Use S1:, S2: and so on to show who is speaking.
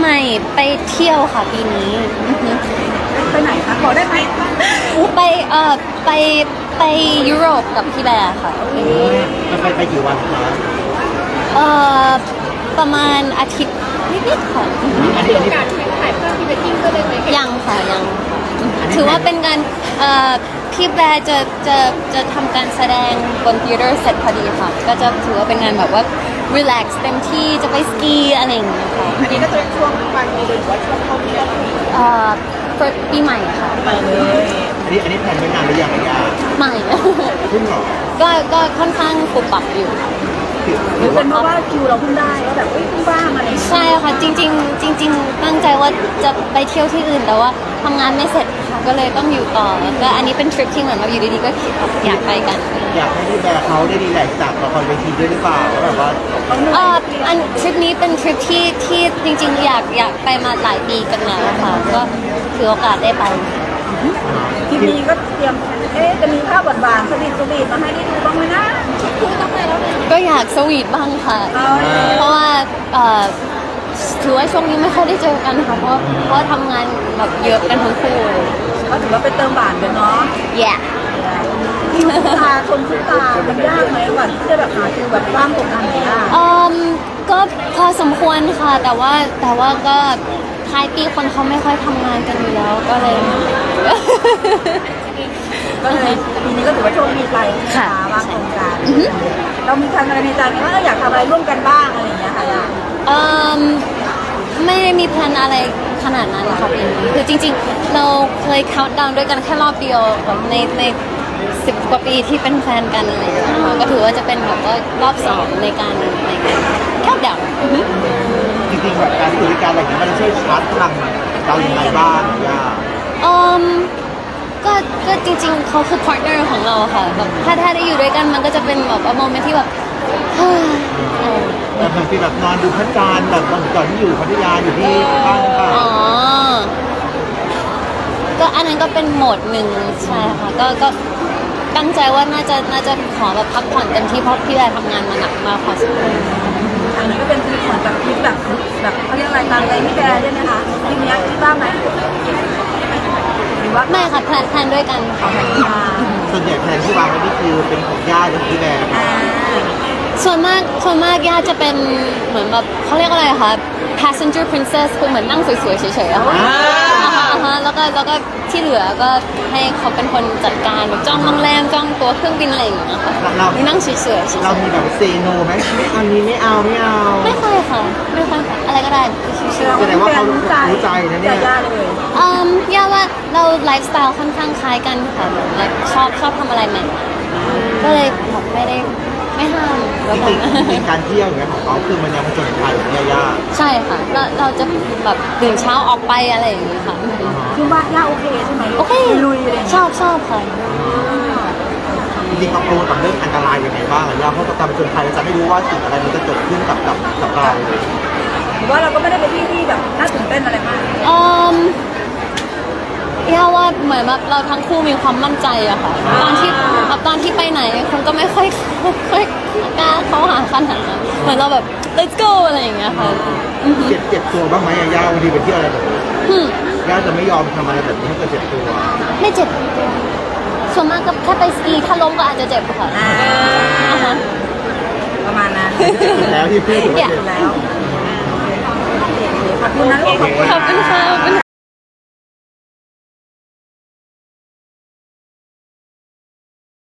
S1: หม่ไปเที่ยวค่ะปีนี้
S2: ไปไหนคะขอได้ไหม
S1: ไปไปไปยุโรปกับพี่แบร์ค่ะ
S3: มันไปกี่วันคะ
S1: เอ่อประมาณอาทิตย์นิดๆค่ะ
S2: มีโอกาสถ่ายภาพพรีเวดดิ้งก็เลยไหม
S1: ยังค่ะยังถือว่าเป็นการพี่แบร์จะทำการแสดงบน theater เสร็จพอดีค่ะก็จะถือว่าเป็นงานแบบว่า relax เต็มที่จะไปสกีอะไรอย่างเงี้ยค่ะ
S2: อันนี้ก็จะช่วงปลายปีหรือว่าช่วงเข้าเที่ยว
S1: ปีใหม่ค่ะ
S2: ไปเลย
S3: อันนี้แผนไว้นานหรือยังย่า
S1: ใหม่
S3: เพิ่งหรอ
S1: ก็ค่อนข้างปุบปับอยู่
S2: หรือเป็นเพราะว่าคิวเราเพิ่งได้ว่าแบบเพิ่งว่างอะไร
S1: ใช่ค่ะจริงตั้งใจว่าจะไปเที่ยวที่อื่นแต่ว่าทำงานไม่เสร็จค่ะก็เลยต้องอยู่ต่อก็อันนี้เป็นทริปที่เหมือนแบบอยู่ดีๆก็อยากไปกัน
S3: อยากให้พี่แบร์เขาได้รีแลกซ์จากละครเวทีด้วยหรือเปล่าแบบว่า
S1: อันทริปนี้เป็นทริปที่จริงๆอยากไปมาหลายปีกันแล้วค่ะก็ถือโอกาสได้ไป
S2: ทีนี้ก็เตรียมจะมีภาพหวานๆสวีทมาให้ได้ดูบ้างไหมนะคุยต้องไปแล้ว
S1: ก็อยากสวีทบ้างค่ะเพราะว่าถือว่าช่วงนี้ไม่ค่อยได้เจอกันค่ะเพราะทำงานแบบเยอะกันทั้งคู่
S2: ก็ถือว่าเป็นเติมหวานกันเนาะ
S1: แย่
S2: ที่ตาชมทุกตามันยากไหมกว่าที่จะแบบหาคิวแบบว่างตรงกันไหนอ่ะ
S1: ก็พอสมควรค่ะแต่ว่าก็ท้ายปีคนเขาไม่ค่อยทำงานกันอยู่แล้วก็เลย
S2: ปีนี้ก็ถือว่าโชคดีไปค่ะว่างตรงกันเรามีทำอะไรในใจไหมว่าเราอยากทำอะไรร่วมกันบ้างอะไรอย่างเงี้ยค่ะ
S1: ไม่ได้มีแพลนอะไรขนาดนั้นค่ะปีนี้คือจริงๆเราเคย count down ด้วยกันแค่รอบเดียวใน10 กว่าปีที่เป็นแฟนกันอะไรอย่างเงี้ยก็ถือว่าจะเป็นแบบว่ารอบ2ในการ count down
S3: จริงๆแบบการที่อยู่ด้วยกันอะไรอย่างเงี้ยมันช่วยชาร์จพลังเราอย่างไรบ้างย่า
S1: ก็จริงๆเขาคือ partner ของเราค่ะแบบถ้าได้อยู่ด้วยกันมันก็จะเป็นแบบโมเมนต์ที่แบบ
S3: บางทีแบบนอนดูพระจันทร์แบบก่อนที่อยู่พัทยาอยู่ที่บ้านค่ะ
S1: ก็อันนั้นก็เป็นโหมดหนึ่งใช่ค่ะก็ตั้งใจว่าน่าจะขอแบบพักผ่อนเต็มที่เพราะพี่แบร์ทำงานมาหนักมากพอสมควร
S2: อันนี้ก็เป็นทริปเหมือนแบบทริปแบบเขาเรียกอะไรตามใจพี่แบร์ด้วยนะคะทริปนี้คิดว่าไหมหรือว่า
S1: ไม่ค่ะแพลนด้วยกัน
S2: ของแพน
S3: ส่วนใหญ่แผนที่วางไว้นี่คือเป็นของย่าหรือพี่แบร์
S1: ส่วนมากย่าจะเป็นเหมือนแบบเขาเรียกอะไรคะ passenger princess คือเหมือนนั่งสวยๆเฉยๆอะแล้วก็ที่เหลือก็ให้เขาเป็นคนจัดการแบบจ้องโรงแรมจ้องตัวเครื่องบินอะไรอย่างเงี้ยค่ะ
S3: เรา
S1: นั่งเฉยๆ
S3: เรามีแบบเซโนไหมอันนี้ไม่เอา
S1: ไม่ค่อยค่ะอะไรก็ได้
S3: แสดงว่าเขารู้ใจนะเนี่ย
S1: ย่าว่าเราไลฟ์สไตล์ค่อนข้างคล้ายกันค่ะชอบทำอะไรใหม่ก็เลยแบบไม่ห้าม
S3: จริงๆการเที่ยวอย่างเงี้ยของเขาคือมันยังผจญภัยอย่างเงี้ยยาก
S1: ใช่ค่ะเราจะแบบตื่นเช้าออกไปอะไรอย่างเงี้ยค่ะ
S2: คือบ้านย่าโอเคใช่ไหม
S1: โอเค
S2: ลุยเลย
S1: ชอบค่ะ
S3: จริงๆเขาโปรกับเรื่องอันตรายยังไงบ้างย่าเพราะการผจญภัยเราจะไม่รู้ว่าสิ่งอะไรมันจะเกิดขึ้นกับเรา
S2: หรือว่าเราก็ไม่ได้ไปที่แบบน่าตื่นเต้นอะไรมาก
S1: ย่าว่าเหมือนแบบเราทั้งคู่มีความมั่นใจอะค่ะตอนที่ไปไหนคนก็ไม่ค่อยกล้าเข้าหาขนาดนั้นเหมือนเราแบบ let's go อะไรอย่างเงี้ยค่ะ
S3: เจ็บตัวบ้างไหมย่าวันนี้ไปเที่ยวอะไรแบบนี้ย่าจะไม่ยอมทำอะไรแบบนี้ถ้าเกิดเจ็บตัว
S1: ไม่เจ็บส่วนมากก็แค่ไปสกีถ้าล้มก็อาจจะเจ็บค่ะ
S2: ประมาณนั้น
S3: แล้วที่พูดถึงเจ็บ
S2: แล้วขอบคุณนะลูก
S1: ขอบคุณค่ะ